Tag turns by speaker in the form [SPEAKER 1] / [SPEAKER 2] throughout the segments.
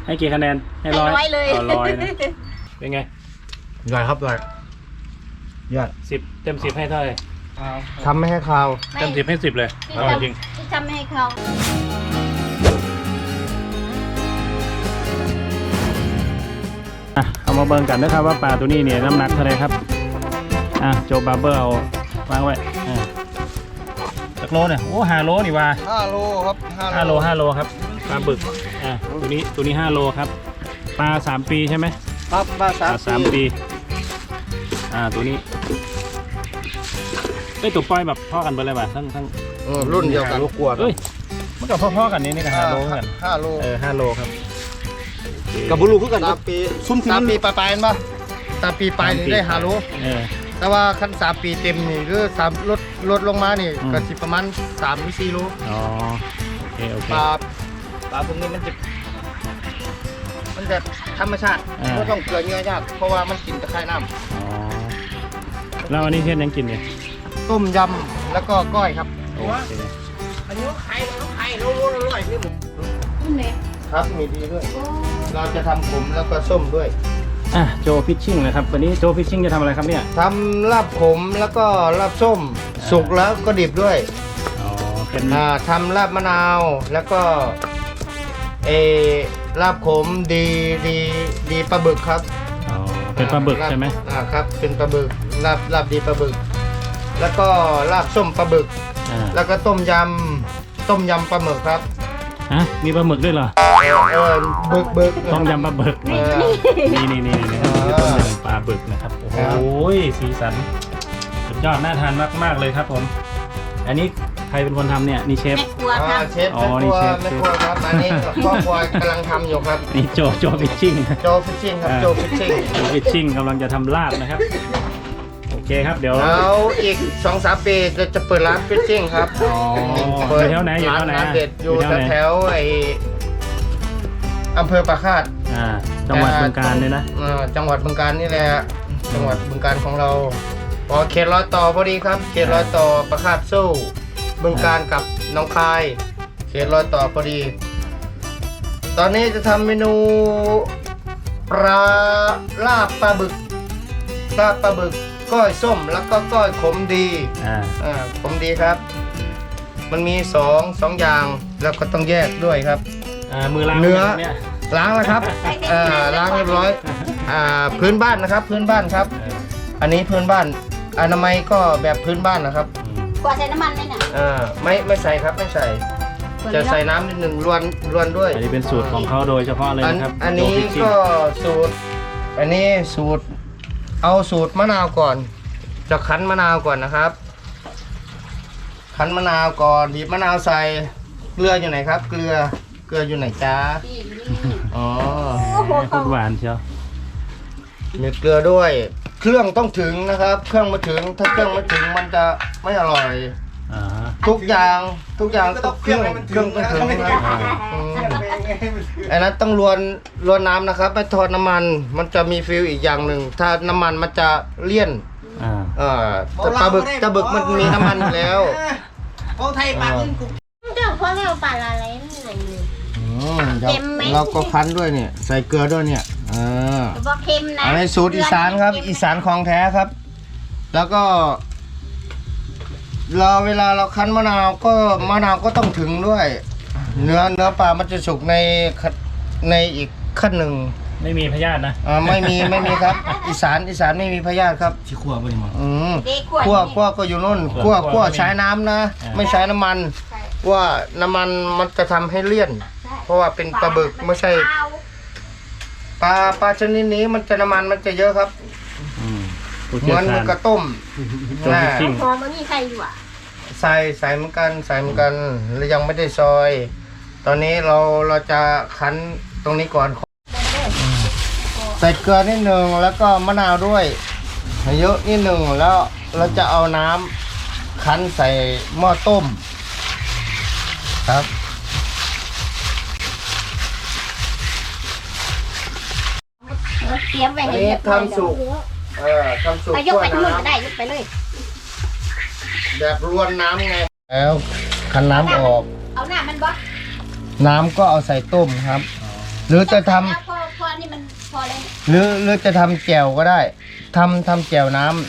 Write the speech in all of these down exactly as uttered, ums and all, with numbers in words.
[SPEAKER 1] ให้กี่คะแนนให้ร้อย
[SPEAKER 2] ให้ร้อยเลย
[SPEAKER 1] อ๋อร้อยนะเป็นไง
[SPEAKER 3] ใหญ่ครับใหญ่ยอด
[SPEAKER 1] สิบเต็มสิบให้เท่าไหร่
[SPEAKER 3] ทำไม่ให้คาว
[SPEAKER 1] เต็มสิบให้สิบเลย
[SPEAKER 2] ที่
[SPEAKER 1] อร่อยจริง
[SPEAKER 2] ทำที่ทำไม่ให้เขา
[SPEAKER 1] อ่ะเอามาเบิ่งกันนะครับว่าปลาตัวนี้เนี่ยน้ำหนักเท่าไหรครับอ่ะโจบาร์เบอร์เอาวางไว้อ่ะจักโลเนี่ยโอ้ห้าโลนี่ว่า
[SPEAKER 3] ห้าโลครับ
[SPEAKER 1] ห้าโลห้าโลครับปลาบึกอ่ะตัวนี้ตัวนี้ห้าโลครับปลาสามปีใช่ไหม
[SPEAKER 3] ครับมา
[SPEAKER 1] ป
[SPEAKER 3] สา
[SPEAKER 1] ลาม สามปีอ่าตัวนี้ไอ้ยตัวปล่อยแบบพ่อกันไปเลยป่ะทั้งทั้ง
[SPEAKER 3] เออรุ่นเดียวกันกลัว
[SPEAKER 1] เอ้ยมันกับพ่อๆกันนี่นี่ก็ห้าโลเหมือนกัน
[SPEAKER 3] ห้าโล
[SPEAKER 1] เออห้าโลครับ
[SPEAKER 3] กับบุรุษคือกันสามปีซุ่มสามปีปลายปลายป่ะสามปีปลายนี่ได้ห้าโล
[SPEAKER 1] เออ
[SPEAKER 3] แต่ว่าขั้นสามปีเต็มนี่คือสามลดลดลงมานี่
[SPEAKER 1] อืม
[SPEAKER 3] ก็สิประมาณสามหรือสี่โล
[SPEAKER 1] อ๋อโอเคโอเค
[SPEAKER 3] ปลาปลาพวกนี้มันจะมันจะธรรมชาติ
[SPEAKER 1] อ่า
[SPEAKER 3] ไม่ต้องเกลือเยอะยากเพราะว่ามันกินตะไคร่น้
[SPEAKER 1] อ๋อแล้วอันนี้เช่นยังกินเนี่ย
[SPEAKER 3] ำต้มยำแล้วก็ก้อยครับ
[SPEAKER 1] โอเค
[SPEAKER 3] อันนี้ไข่ไข่โลโลอร่อยที่หมู
[SPEAKER 2] นี่เล็ก
[SPEAKER 3] ครับมีดีด้วย เราจะทำขมแล้วก็ส้มด้วย
[SPEAKER 1] อ่ะโจฟิชชิ่งนะครับวันนี้โจฟิชชิ่งจะทำอะไรครับเนี่ย
[SPEAKER 3] ทำลาบขมแล้วก็ลาบส้ม สุกแล้วก็ดิบด้วย
[SPEAKER 1] อ๋อเป็น
[SPEAKER 3] อ่าทำลาบมะนาวแล้วก็เออลาบขมดีดีดีปลาบึกครับ
[SPEAKER 1] อ๋อเป็นปลาบึกใช่ไหม
[SPEAKER 3] อ่าครับเป็นปลาบึกลาบลาบดีปลาบึก แล้วก็ลาบส้มปลาบึก
[SPEAKER 1] อ่า
[SPEAKER 3] แล้วก็ต้มยำต้มยำปลาหมึกครับ
[SPEAKER 1] ฮะมีปลาหมึกด้วยเหรอ
[SPEAKER 3] เออเออบึกบึก
[SPEAKER 1] ต้มยำปลาบึก
[SPEAKER 3] เออ
[SPEAKER 1] นี่นี่นี่นี่นะครับคือต้มยำปลาบึกนะครับโอ้โห
[SPEAKER 3] ครับ
[SPEAKER 1] สีสันสุดยอดน่าทานมากๆเลยครับผม อันนี้ใครเป็นคนทำเนี่ยนี่เชฟ
[SPEAKER 2] แม่ครัว
[SPEAKER 3] อ่า
[SPEAKER 2] ทำ
[SPEAKER 3] เชฟ
[SPEAKER 1] อ๋อ
[SPEAKER 3] แม่ค
[SPEAKER 1] นี่
[SPEAKER 3] รัว
[SPEAKER 1] เชฟ
[SPEAKER 3] แม่ครัวครับอันนี้ครอบครัวกำลังทำอยู่ครับ
[SPEAKER 1] นี่โจโจฟิชชิ่ง
[SPEAKER 3] โจฟิชชิ่งครับ
[SPEAKER 1] อ่า
[SPEAKER 3] โจฟิชชิ่ง
[SPEAKER 1] โจฟิชชิ่งกำลังจะทำลาบนะครับโอเคครับเดี๋ยว
[SPEAKER 3] แล้วอีกสองสามปีจะจะเปิดร้านฟิชชิ่งครับ
[SPEAKER 1] อ๋ออยู่แถวไหนอยู่แถวไหน
[SPEAKER 3] ร้านเด็ดอยู่
[SPEAKER 1] อยู่แถวไหน
[SPEAKER 3] แถวๆไออำเภอปากคาด
[SPEAKER 1] อ่าจังหวัดบึงกาฬเลยนะ
[SPEAKER 3] อ่าจังหวัดบึงกาฬนี่แหละจังหวัดบึงกาฬของเราพอเขตรอยต่อพอดีครับเขตรอยต่อปากคาดสู้บึงกาฬกับหนองคายเขตรอยต่อพอดี ตอนนี้จะทำเมนูปลาลาบปลาบึกลาบปลาบึกก้อยส้มแล้วก็ก้อยขมดี
[SPEAKER 1] อ่า
[SPEAKER 3] อ่าขมดีครับ มันมีสองสองอย่างแล้วก็ต้องแยกด้วยครับ
[SPEAKER 1] อ่ามือล้าง
[SPEAKER 3] เนื้อ
[SPEAKER 1] เนี่ย
[SPEAKER 3] ล้างแล้วครับอ่าล้างเรียบร้อยอ่าพื้นบ้านนะครับ พื้นบ้านครับ
[SPEAKER 1] เออ
[SPEAKER 3] อันนี้พื้นบ้านอนามัยก็แบบพื้นบ้านนะครับ
[SPEAKER 1] อืม
[SPEAKER 2] กว่าใส่น้ำมันเลยน่ะ
[SPEAKER 3] อ่าไม่ไม่ใส่ครับไม่ใส่ จะใส่น้ำนิดหนึ่งรวนรวนด้วย
[SPEAKER 1] อันนี้เป็นสูตรของเขาโดยเฉพาะเลย
[SPEAKER 3] อัน
[SPEAKER 1] นะครับ
[SPEAKER 3] อันนี้
[SPEAKER 1] โจฟิชชิ่ง
[SPEAKER 3] ก็สูตร อันนี้สูตร เอาสูตรมะนาวก่อน จะคั้นมะนาวก่อนนะครับ คั้นมะนาวก่อนบีบมะนาวใส่เกลืออยู่ไหนครับ เกลือเกลืออยู่ไหนจ้า
[SPEAKER 2] ที่นี่
[SPEAKER 3] อ๋อ
[SPEAKER 1] โคตรหวานเชียว
[SPEAKER 3] มีเกลือด้วย เครื่องต้องถึงนะครับ เครื่องมาถึงถ้าเครื่องไม่ถึงมันจะไม่อร่อย
[SPEAKER 1] อ่าฮะ
[SPEAKER 3] ทุกอย่างทุกอย่างต้องเครื่องเครื่องต้องถึงนะครับอืมอันนั้นต้องรวนรวนน้ำนะครับไม่ทอดน้ำมัน มันจะมีฟิลอีกอย่างหนึ่งถ้าน้ำมันมันจะเลี่ยน
[SPEAKER 1] อ่า
[SPEAKER 3] เออแต่ปลาบึกปลาบึกมันมีน้ำมันอยู่แล้ว
[SPEAKER 4] เขาไทยปากขึ้นกู
[SPEAKER 2] เจ้าพ่อเราปลาอะไรนี่เลย
[SPEAKER 3] อืมเดี๋ยว
[SPEAKER 2] เค็มไหม
[SPEAKER 3] เราก็คั้นด้วยเนี่ย ใส่เกลือด้วยเนี่ยเออ
[SPEAKER 2] แต่ว่าเค็มนะ
[SPEAKER 3] อันนี้สูตรอีสานครับ อีสานของแท้ครับ แล้วก็ เราเวลาเราคั้นมะนาวก็มะนาวก็ต้องถึงด้วย เนื้อเนื้อปลามันจะสุกในขั้นในอีกขั้นหนึ่ง
[SPEAKER 1] ไม่มีพยาธินะ
[SPEAKER 3] อ่าไม่มีไม่มีครับ อีสานอีสานไม่มีพยาธิครับ
[SPEAKER 1] ที่ขั้วไปมั้ง
[SPEAKER 3] อืม
[SPEAKER 2] เด็กขวด
[SPEAKER 3] คั่วคั่วก็อยู่นู่น
[SPEAKER 1] คั่
[SPEAKER 3] คั่
[SPEAKER 1] ว
[SPEAKER 3] วคั่ว
[SPEAKER 1] ไม่มี
[SPEAKER 3] ใช้น้ำนะ
[SPEAKER 1] อ่า
[SPEAKER 3] ไม่ใช้น้ำมัน
[SPEAKER 2] ใช่
[SPEAKER 3] ว่าน้ำมันมันจะทำให้เลี่ยน
[SPEAKER 2] ใช่
[SPEAKER 3] เพราะว่าเป็นปลาบึกไม่ใช่
[SPEAKER 2] เปล่า
[SPEAKER 3] ปลาปลาชนิดนี้มันจะน้ำมันมันจะเยอะครับ
[SPEAKER 1] อืมผู้
[SPEAKER 3] เห
[SPEAKER 1] เชี่
[SPEAKER 3] มื
[SPEAKER 1] ย
[SPEAKER 3] อ
[SPEAKER 1] วน ชาญ
[SPEAKER 3] กระต้ม
[SPEAKER 1] โจฟิชชิ่ง
[SPEAKER 2] หอมมันมีใครอยู่อ่ะ
[SPEAKER 3] ใส่ใส่เหมือนกันใส่เหมือนกันแล้วยังไม่ได้ซอย ตอนนี้เราเราจะคั้นตรงนี้ก่อน ใส่เกลือนิดหนึ่งแล้วก็มะนาวด้วยเยอะนิดหนึ่งแล้วเราจะเอาน้ำคั้นใส่หม้อต้มครับ
[SPEAKER 2] เตรียมไว้
[SPEAKER 3] อัน
[SPEAKER 2] ให้
[SPEAKER 3] นี้
[SPEAKER 2] เรียบร้อย
[SPEAKER 3] ทำสุกเออทำสุก
[SPEAKER 2] ไปยกไป
[SPEAKER 3] คั่
[SPEAKER 2] ทั้ง
[SPEAKER 3] ว
[SPEAKER 2] หมดก็ได้
[SPEAKER 3] น้
[SPEAKER 2] ยกไปเลย
[SPEAKER 3] ำแบบรวนน้ำไงแล้วคั้นน้ำออก
[SPEAKER 2] เอาหน้ามันบ่
[SPEAKER 3] น้ำก็เอาใส่ต้มครับ
[SPEAKER 1] อ
[SPEAKER 3] หรือจะทำ
[SPEAKER 2] แล้วพอพอนี่มันพอแล้ว
[SPEAKER 3] หรือหรือจะทำแจ่วก็ได้ทำทำแจ่วน้ำ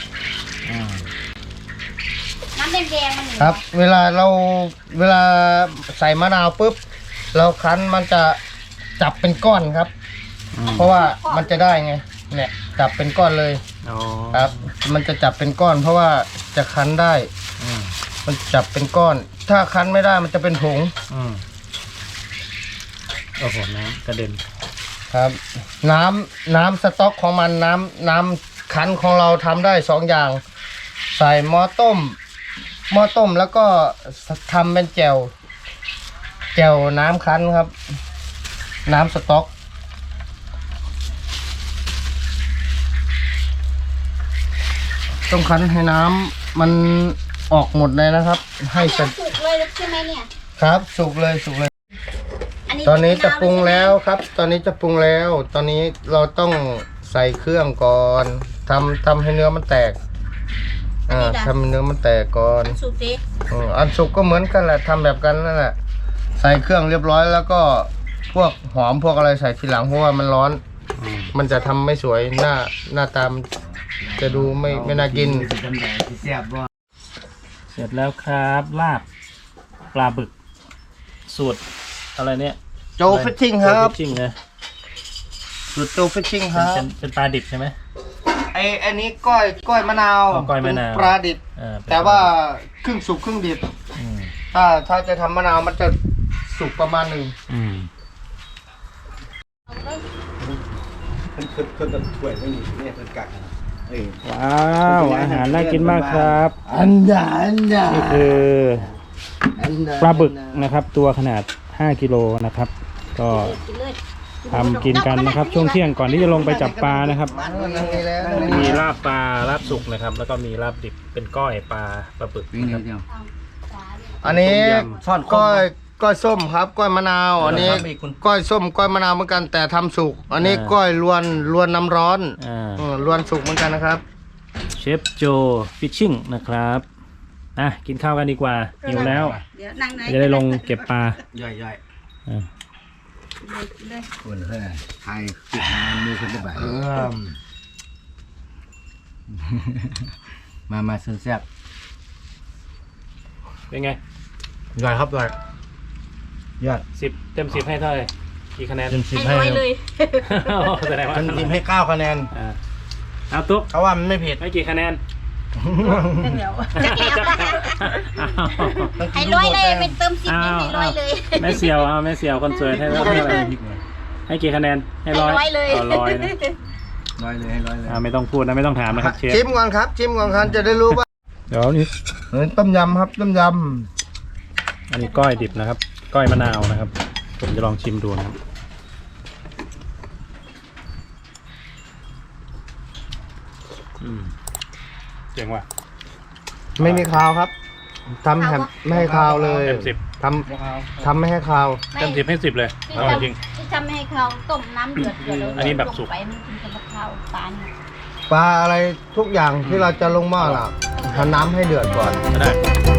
[SPEAKER 2] น้ำแดงๆมัน
[SPEAKER 3] ครับ เวลาเราเวลาใส่มะนาวปุ๊บเราคั้นมันจะจับเป็นก้อนครับ เพราะว่ามันจะได้ไงเนี่ยจับเป็นก้อนเลย
[SPEAKER 1] อ๋อ
[SPEAKER 3] ครับ มันจะจับเป็นก้อน เพราะว่าจะคั้นได้
[SPEAKER 1] อืม
[SPEAKER 3] มันจับเป็นก้อน ถ้าคั้นไม่ได้มันจะเป็นผง
[SPEAKER 1] อืมโอ้โหน้ำกระเด็น
[SPEAKER 3] ครับ น้ำน้ำสต๊อกของมันน้ำน้ำคั้นของเราทำได้สองอย่าง ใส่หม้อต้มหม้อต้มแล้วก็ทำเป็นแจ่วแจ่วน้ำคั้นครับ น้ำสต๊อกต้องคั้นให้น้ำมันออกหมดเลยนะครับ ให้เสร็จ
[SPEAKER 2] สุกเลยใช่ไหมเนี่ย
[SPEAKER 3] ครับสุกเลยสุกเลย
[SPEAKER 2] อันนี้
[SPEAKER 3] ตอนนี้จะปรุง
[SPEAKER 2] มนาว
[SPEAKER 3] แล้วครับ ตอนนี้จะปรุงแล้ว ตอนนี้เราต้องใส่เครื่องก่อนทำทำให้เนื้อมันแตกอ่าทำให้เนื้อมันแตกก่อน
[SPEAKER 2] สุกดิ
[SPEAKER 3] อืมอันสุกก็เหมือนกันแหละทำแบบกันนั่นแหละใส่เครื่องเรียบร้อยแล้วก็พวกหอมพวกอะไรใส่ทีหลังเพราะว่ามันร้อน
[SPEAKER 1] อืม
[SPEAKER 3] มันจะทำไม่สวยหน้าหน้าตามนจะดูไม่ไม่น่ากิน
[SPEAKER 1] เสร็จแล้วครับลาบปลาบึก สูตรอะไรเนี่ย
[SPEAKER 3] โจฟิชชิ่งครับ
[SPEAKER 1] ฟิชชิ่งนะ
[SPEAKER 3] สูตรโจฟิชชิ่งค
[SPEAKER 1] เป็น
[SPEAKER 3] รับ
[SPEAKER 1] เป็นเป็นปลาดิบใช่ไหม
[SPEAKER 3] ไออันนี้ก้อยก้อยมะนาว
[SPEAKER 1] อ๋อก้อยมะนาว
[SPEAKER 3] เป็นปลาดิบ
[SPEAKER 1] เออเป็น
[SPEAKER 3] แต่ว่าครึ่งสุกครึ่งดิบ
[SPEAKER 1] อืม
[SPEAKER 3] ถ้าถ้าจะทำมะนาวมันจะสุกประมาณหนึ่ง
[SPEAKER 1] อืม ว้าวอาหารน่ากินมากครับ
[SPEAKER 3] อันดาอันดา
[SPEAKER 1] นี่คือ
[SPEAKER 3] อันดา
[SPEAKER 1] ปลาบึกนะครับ ตัวขนาดห้ากิโลนะครับ ก็
[SPEAKER 2] กินเลย
[SPEAKER 1] ทำกินกันนะครับ ช่วงเที่ยงก่อนที่จะลงไปจับปลานะครับ
[SPEAKER 3] นั่งนี่แล้วนั่ง
[SPEAKER 1] มี
[SPEAKER 3] นี่
[SPEAKER 1] ลาบปลาลาบสุกนะครับ แล้วก็มีลาบดิบเป็นก้อยปลาปลาบึกนะครับ
[SPEAKER 3] อันนี้
[SPEAKER 1] ต้มย
[SPEAKER 3] ก้อยก้อยส้มครับก้อยมะนาว อันนี้ก้อยส้มก้อยมะนาวเหมือนกันแต่ทำสุก อันนี้ก้อยลวนลวนน้ำร้อน
[SPEAKER 1] อ่า
[SPEAKER 3] อืมลวนสุกเหมือนกันนะครับ
[SPEAKER 1] เชฟโจฟิชชิ่งนะครับอ่ะกินข้าวกันดีกว่าหิวแล้ว
[SPEAKER 2] เดี๋ยวนั่งไหน
[SPEAKER 1] จะได้ลงเก็บปลา
[SPEAKER 4] ย่อยย่อย
[SPEAKER 1] อ่ะ
[SPEAKER 2] เลย
[SPEAKER 4] คนเฮ้ยไทยติดงานมือคนละแบบมามาซื้อแซ่บ
[SPEAKER 1] เป็นไง
[SPEAKER 3] ย่อยครับย่อย
[SPEAKER 4] ยอด
[SPEAKER 1] สิบเต็มสิบให้เท่าไหร่กี่คะแนน
[SPEAKER 4] เต็มสิบ
[SPEAKER 2] ให้
[SPEAKER 4] ให้
[SPEAKER 2] ร้อยเลย
[SPEAKER 1] แสดงว่า
[SPEAKER 3] เต็มสิบให้เก้าคะแนน
[SPEAKER 1] อ่าเอาตุ๊ก
[SPEAKER 3] เขาว่ามันไม่เผ็ด
[SPEAKER 1] ให้กี่คะแนน
[SPEAKER 2] เดี๋ยวจะแอบให้ร้อยเลยเป็นเติมสิบให้ร้อยเลย
[SPEAKER 1] แม่เสียวเอาแม่เสียวคนสวยให้เท่าไหร่ให้กี่คะแนนให้
[SPEAKER 2] ให้
[SPEAKER 1] ร้อย
[SPEAKER 2] ร้อยเลย
[SPEAKER 1] เอาร้อยนะ
[SPEAKER 4] ร้อยเลยให้ร้อยเลย
[SPEAKER 1] อ่าไม่ต้องพูดนะไม่ต้องถามนะครับเชฟ
[SPEAKER 3] ชิมก่อนครับชิมก่อนครับจะได้รู้ว่า
[SPEAKER 1] เดี๋ยวนี่
[SPEAKER 3] เหมือนต้มยำครับต้มย
[SPEAKER 1] อันนี้ก้อยดิบนะครับ ก้อยมะนาวนะครับผมจะลองชิมดูนะครับอืมเจ๋งว่ะ
[SPEAKER 3] ำไม่มีคาวครับทำแบบไม่ให้คาวเลย
[SPEAKER 1] เต็มสิบ
[SPEAKER 3] ทำทำไม่ให้คาว
[SPEAKER 1] เต็มสิบให้สิบเลยอร่อยจริง
[SPEAKER 2] ที่ทำให้เขาต้มน้ำเดือดเดือดแล้ว
[SPEAKER 1] อันนี้แบบสุก
[SPEAKER 2] ลงไปมันถึงจะมาเข้าปลาเนี่ย
[SPEAKER 3] ปลาอะไรทุกอย่างที่เราจะลงหม้อล่ะทำน้ำให้เดือดก่อน
[SPEAKER 1] ก็ได้